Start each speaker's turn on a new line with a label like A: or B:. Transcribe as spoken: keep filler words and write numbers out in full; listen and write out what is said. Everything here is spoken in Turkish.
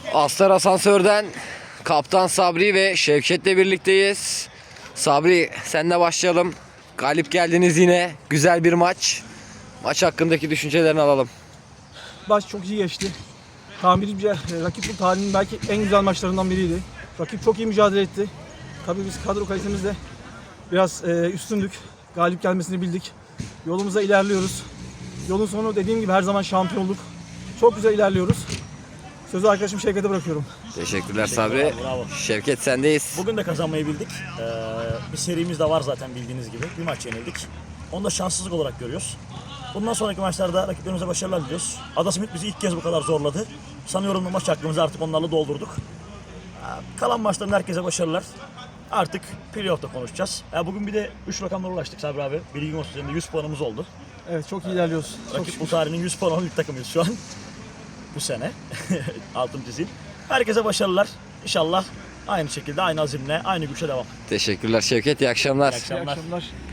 A: Aslar Asansör'den Kaptan Sabri ve Şevket'le birlikteyiz. Sabri, senle başlayalım. Galip geldiniz yine. Güzel bir maç. Maç hakkındaki düşüncelerini alalım.
B: Maç çok iyi geçti. Tahmini bir rakip bu tarihinin belki en güzel maçlarından biriydi. Rakip çok iyi mücadele etti. Tabii biz kadro kalitemizde biraz e, üstündük. Galip gelmesini bildik. Yolumuza ilerliyoruz. Yolun sonu dediğim gibi her zaman şampiyonluk. Çok güzel ilerliyoruz. Sözü arkadaşım Şevket'e bırakıyorum.
A: Teşekkürler Sabri.
C: Bravo.
A: Şevket, sendeyiz.
C: Bugün de kazanmayı bildik. Ee, bir serimiz de var zaten bildiğiniz gibi. Bir maç yenildik. Onu da şanssızlık olarak görüyoruz. Bundan sonraki maçlarda rakiplerimize başarılar diliyoruz. Adasimit bizi ilk kez bu kadar zorladı. Sanıyorum bu maç hakkımızı artık onlarla doldurduk. Ee, kalan maçların herkese başarılar. Artık playoff'ta konuşacağız. Ee, bugün bir de üç rakamlara ulaştık Sabri abi. Bilgin olsun, üzerinde yüz puanımız oldu.
B: Evet, çok iyi ilerliyoruz. Çok
C: Rakip
B: şükür.
C: bu tarihinin yüz puan olan ilk takımıyız şu an. Bu sene. Altın çizeyim. Herkese başarılar. İnşallah aynı şekilde, aynı azimle, aynı güçle devam.
A: Teşekkürler Şevket. İyi akşamlar.
C: İyi akşamlar.
B: İyi akşamlar.